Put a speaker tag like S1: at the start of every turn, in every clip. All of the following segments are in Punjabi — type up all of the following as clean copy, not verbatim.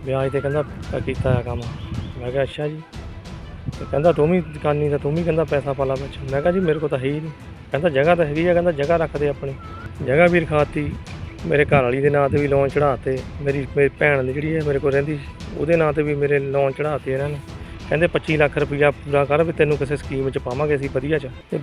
S1: ਵਿਆਜ 'ਤੇ ਕਹਿੰਦਾ ਕੀਤਾ ਆ ਕੰਮ। ਮੈਂ ਕਿਹਾ ਅੱਛਾ ਜੀ। ਤੇ ਕਹਿੰਦਾ ਤੂੰ ਵੀ ਦੁਕਾਨੀ ਤਾਂ ਤੂੰ ਵੀ ਕਹਿੰਦਾ ਪੈਸਾ ਪਾ ਲਾ ਵਿੱਚ। ਮੈਂ ਕਿਹਾ ਜੀ ਮੇਰੇ ਕੋਲ ਤਾਂ ਹੈ ਹੀ ਨਹੀਂ। ਕਹਿੰਦਾ ਜਗ੍ਹਾ ਤਾਂ ਹੈਗੀ ਆ, ਕਹਿੰਦਾ ਜਗ੍ਹਾ ਰੱਖ ਦੇ ਆਪਣੀ। ਜਗ੍ਹਾ ਵੀ ਰਖਾਤੀ, ਮੇਰੇ ਘਰ ਵਾਲੀ ਦੇ ਨਾਂ 'ਤੇ ਵੀ ਲੋਨ ਚੜ੍ਹਾਤੇ, ਮੇਰੀ ਭੈਣ ਦੀ ਜਿਹੜੀ ਹੈ ਮੇਰੇ ਕੋਲ ਰਹਿੰਦੀ ਉਹਦੇ ਨਾਂ 'ਤੇ ਵੀ ਮੇਰੇ ਲੋਨ ਚੜ੍ਹਾਤੇ ਇਹਨਾਂ ਨੇ। ਕਹਿੰਦੇ 25 ਲੱਖ ਰੁਪਈਆ ਪੂਰਾ ਕਰ ਵੀ ਤੈਨੂੰ ਕਿਸੇ ਸਕੀਮ 'ਚ ਪਾਵਾਂਗੇ ਅਸੀਂ ਵਧੀਆ 'ਚ। ਤੇ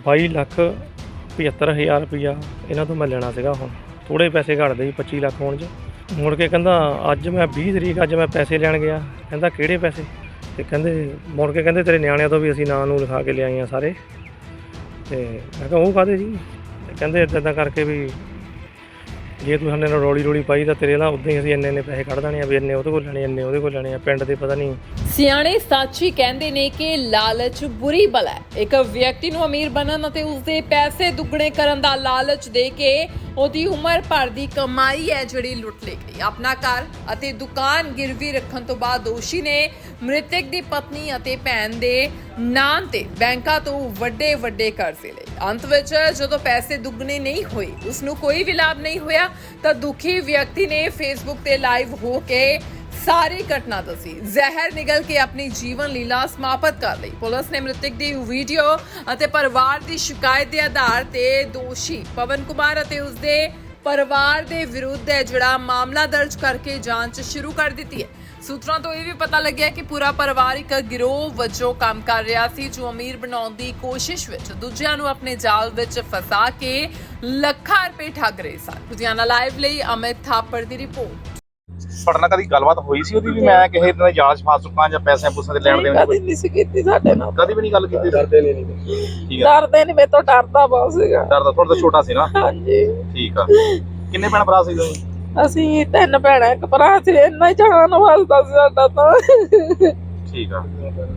S1: 22,75,000 ਰੁਪਈਆ ਇਹਨਾਂ ਤੋਂ ਮੈਂ ਲੈਣਾ ਸੀਗਾ। ਹੁਣ ਥੋੜ੍ਹੇ ਪੈਸੇ ਘੱਟਦੇ ਸੀ 25 ਲੱਖ ਹੋਣ 'ਚ। ਮੁੜ ਕੇ ਕਹਿੰਦਾ ਅੱਜ ਮੈਂ 20 ਤਰੀਕ ਅੱਜ ਮੈਂ ਪੈਸੇ ਲੈਣ ਗਿਆ। ਕਹਿੰਦਾ ਕਿਹੜੇ ਪੈਸੇ? ਤੇ ਕਹਿੰਦੇ ਮੁੜ ਕੇ ਕਹਿੰਦੇ ਤੇਰੇ ਨਿਆਣਿਆਂ ਤੋਂ ਵੀ ਅਸੀਂ ਨਾਂ ਨੂੰ ਲਿਖਾ ਕੇ ਲਿਆਏ ਆ ਸਾਰੇ। ਤੇ ਮੈਂ ਕਿਹਾ ਉਹ ਕਾਹਦੇ ਜੀ? ਤੇ ਕਹਿੰਦੇ ਇੱਦਾਂ ਕਰਕੇ ਵੀ ਜੇ ਤੂੰ ਸਾਡੇ ਨਾਲ ਰੌਲੀ ਪਾਈ ਤਾਂ ਤੇਰੇ ਨਾਲ ਉੱਦਾਂ ਹੀ ਅਸੀਂ ਇੰਨੇ ਪੈਸੇ ਕੱਢ ਦੇਣੇ ਆ ਵੀ ਇੰਨੇ ਉਹਦੇ ਕੋਲ ਲੈਣੇ, ਇੰਨੇ ਉਹਦੇ ਕੋਲ ਲੈਣੇ ਆ। ਪਿੰਡ ਦੇ ਪਤਾ ਨਹੀਂ।
S2: ਸਿਆਣੇ ਸੱਚ ਹੀ ਕਹਿੰਦੇ ਨੇ ਕਿ ਲਾਲਚ ਬੁਰੀ ਬਲਾ ਹੈ। ਇੱਕ ਵਿਅਕਤੀ ਨੂੰ ਅਮੀਰ ਬਣਨ ਅਤੇ ਉਸਦੇ ਪੈਸੇ ਦੁੱਗਣੇ ਕਰਨ ਦਾ ਲਾਲਚ ਦੇ ਕੇ ਉਹਦੀ ਉਮਰ ਭਰ ਦੀ ਕਮਾਈ ਹੈ ਜਿਹੜੀ ਲੁੱਟ ਲਈ ਗਈ। ਆਪਣਾ ਘਰ ਅਤੇ ਦੁਕਾਨ ਗਿਰਵੀ ਰੱਖਣ ਤੋਂ ਬਾਅਦ ਦੋਸ਼ੀ ਨੇ ਮ੍ਰਿਤਕ ਦੀ ਪਤਨੀ ਅਤੇ ਭੈਣ ਦੇ ਨਾਂ ਤੇ ਬੈਂਕਾਂ ਤੋਂ ਵੱਡੇ ਕਰਜ਼ੇ ਲਏ। ਅੰਤ ਵਿੱਚ ਜਦੋਂ ਪੈਸੇ ਦੁੱਗਣੇ ਨਹੀਂ ਹੋਏ, ਉਸ ਨੂੰ ਕੋਈ ਵੀ ਲਾਭ ਨਹੀਂ ਹੋਇਆ, ਤਾਂ ਦੁਖੀ ਵਿਅਕਤੀ ਨੇ ਫੇਸਬੁੱਕ ਤੇ ਲਾਈਵ ਹੋ ਕੇ ਸਾਰੀ ਘਟਨਾ ਦੱਸੀ। ਜ਼ਹਿਰ ਨਿਗਲ ਕੇ ਆਪਣੀ ਜੀਵਨ ਲੀਲਾ ਸਮਾਪਤ ਕਰ ਲਈ। ਪੁਲਿਸ ਨੇ ਮ੍ਰਿਤਕ ਦੀ ਵੀਡੀਓ ਅਤੇ ਪਰਿਵਾਰ ਦੀ ਸ਼ਿਕਾਇਤ ਦੇ ਆਧਾਰ ਤੇ ਦੋਸ਼ੀ ਪਵਨ ਕੁਮਾਰ ਅਤੇ ਉਸਦੇ ਪਰਿਵਾਰ ਦੇ ਵਿਰੁੱਧ ਜਿਹੜਾ ਮਾਮਲਾ ਦਰਜ ਕਰਕੇ ਜਾਂਚ ਸ਼ੁਰੂ ਕਰ ਦਿੱਤੀ ਹੈ। ਸੂਤਰਾਂ ਤੋਂ ਇਹ ਵੀ ਪਤਾ ਲੱਗਿਆ ਕਿ ਪੂਰਾ ਪਰਿਵਾਰ ਇੱਕ ਗਿਰੋਹ ਵਜੋਂ ਕੰਮ ਕਰ ਰਿਹਾ ਸੀ, ਜੋ ਅਮੀਰ ਬਣਾਉਣ ਦੀ ਕੋਸ਼ਿਸ਼ ਵਿੱਚ ਦੂਜਿਆਂ ਨੂੰ ਆਪਣੇ ਜਾਲ ਵਿੱਚ ਫਸਾ ਕੇ ਲੱਖਾਂ ਰੁਪਏ ਠੱਗ ਰਹੇ ਸਨ। ਲੁਧਿਆਣਾ ਲਾਈਵ ਲਈ ਅਮਿਤ ਥਾਪੜ ਦੀ ਰਿਪੋਰਟ।
S3: ਤੁਹਾਡੇ ਨਾਲ ਕਦੀ ਗੱਲਬਾਤ ਹੋਈ ਸੀ ਉਹਦੀ ਵੀ ਮੈਂ ਕਿਸੇ ਦਿਨ ਜਾਲ 'ਚ ਫਸ ਚੁੱਕਾ ਜਾਂ ਪੈਸੇ ਪੂਸੇ ਦੇ ਲੈਣ ਦੇਣ ਦੀ?
S4: ਕਦੀ ਨਹੀਂ ਸੀ ਕੀਤੀ ਸਾਡੇ ਨਾਲ,
S3: ਕਦੀ ਵੀ ਨਹੀਂ ਗੱਲ ਕੀਤੀ?
S1: ਡਰਦੇ ਨਹੀਂ।
S3: ਠੀਕ ਆ।
S4: ਡਰਦੇ ਨਹੀਂ, ਮੇਰੇ ਤੋਂ ਡਰਦਾ ਬਹੁਤ ਸੀਗਾ।
S3: ਡਰਦਾ ਥੋੜਾ ਤਾਂ ਛੋਟਾ ਸੀ ਨਾ।
S4: ਹਾਂਜੀ।
S3: ਠੀਕ ਆ। ਕਿੰਨੇ ਭੈਣ ਭਰਾ ਸੀ ਤੁਸੀਂ?
S4: ਅਸੀਂ 3 ਭੈਣਾਂ ਇੱਕ ਭਰਾ ਸੀ, ਇੰਨਾ ਹੀ ਜਾਨ ਵਾਸਤਾ ਸੀ ਸਾਡਾ ਤਾਂ।
S3: ਠੀਕ ਆ।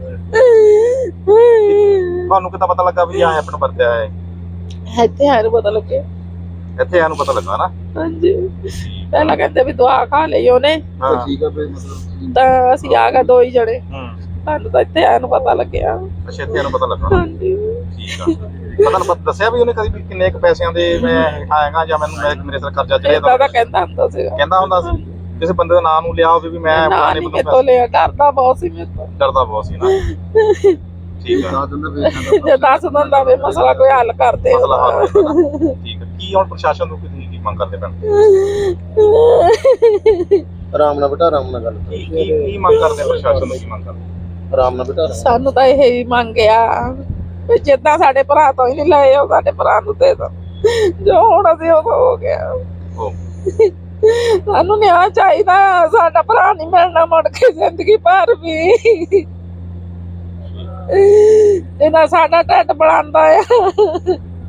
S3: ਤੁਹਾਨੂੰ ਕਿੱਦਾਂ ਪਤਾ ਲੱਗਾ ਵੀ ਆਹ ਆਪਣਾ ਵਰਤਿਆ ਹੈ?
S4: ਇੱਥੇ ਆਏ ਨੂੰ ਪਤਾ ਲੱਗਿਆ।
S3: ਇੱਥੇ ਇਹਨੂੰ ਪਤਾ ਲੱਗਾ ਨਾ?
S4: ਹਾਂਜੀ। ਪਹਿਲਾਂ ਕਹਿੰਦੇ ਵੀ ਦਵਾ ਖਾ ਲਈ ਉਹਨੇ,
S3: ਹਾਂ।
S1: ਠੀਕ ਆ ਫਿਰ ਮਤਲਬ
S4: ਤਾਂ ਅਸੀਂ ਆ ਗਏ 2 ਹੀ ਜਣੇ।
S3: ਹੂੰ।
S4: ਸਾਨੂੰ ਤਾਂ ਇੱਥੇ ਆਏ ਨੂੰ ਪਤਾ ਲੱਗਿਆ।
S3: ਅੱਛਾ, ਇੱਥੇ ਇਹਨੂੰ ਪਤਾ ਲੱਗਾ।
S4: ਹਾਂਜੀ।
S3: ਠੀਕ ਆ। ਪਤਾ ਦੱਸਿਆ ਵੀ ਉਹਨੇ ਕਦੀ ਵੀ ਕਿੰਨੇ ਕੁ ਪੈਸਿਆਂ ਦੇ ਮੈਂ ਆਏਗਾ ਜਾਂ ਮੈਨੂੰ ਮੇਰੇ ਸਿਰ ਕਰਜ਼ਾ ਚੜਿਆ?
S4: ਏਦਾਂ ਦਾ ਕਹਿੰਦਾ ਹੁੰਦਾ ਸੀਗਾ।
S3: ਕਹਿੰਦਾ ਹੁੰਦਾ ਸੀ ਕਿਸੇ ਬੰਦੇ ਦਾ ਨਾਮ ਨੂੰ ਲਿਆ ਹੋਵੇ ਵੀ ਮੈਂ
S4: ਨਾ
S3: ਫਲਾਣੇ
S4: ਨਹੀਂ
S3: ਬੰਦੇ
S4: ਮੇਰੇ ਤੋਂ ਲਿਆ, ਡਰਦਾ ਬਹੁਤ ਸੀ ਮੇਰੇ ਤੋਂ।
S3: ਡਰਦਾ ਬਹੁਤ ਸੀ ਨਾ। ਠੀਕ ਆ।
S4: ਜੇ ਦੱਸ ਦਿੰਦਾ ਵੀ ਮਸਲਾ ਕੋਈ ਹੱਲ ਕਰਦੇ।
S3: ਮਸਲਾ ਹੱਲ ਠੀਕ ਆ। ਕੀ ਹੁਣ ਪ੍ਰਸ਼ਾਸਨ ਨੂੰ ਕੀ ਮੰਗ ਕਰਦੇ ਪੈਣ?
S1: ਆਰਾਮ ਨਾਲ ਬੇਟਾ, ਆਰਾਮ ਨਾਲ ਗੱਲ
S3: ਕੀ ਮੰਗ ਕਰਦੇ ਪ੍ਰਸ਼ਾਸਨ ਨੂੰ? ਕੀ ਮੰਗ ਕਰਦੇ?
S1: ਆਰਾਮ ਨਾਲ ਬੇਟਾ।
S4: ਸਾਨੂੰ ਤਾਂ ਇਹ ਹੀ ਮੰਗਿਆ ਵੀ ਜਿੱਦਾਂ ਸਾਡੇ ਭਰਾ ਤੋਂ ਹੀ ਨਹੀਂ ਲਏ, ਉਹ ਸਾਡੇ ਭਰਾ ਨੂੰ ਦੇ ਦੋ। ਜੋ ਹੁਣ ਅਸੀਂ ਉਹ ਹੋ ਗਿਆ।
S3: ਉਹ
S4: ਸਾਨੂੰ ਨਿਆਂ ਚਾਹੀਦਾ। ਸਾਡਾ ਭਰਾ ਨਹੀਂ ਮਿਲਣਾ ਮੁੜ ਕੇ ਜ਼ਿੰਦਗੀ ਭਰ ਵੀ। ਇਹਨਾਂ ਸਾਡਾ ਢਿੱਡ ਬਣਾਉਂਦਾ ਆ।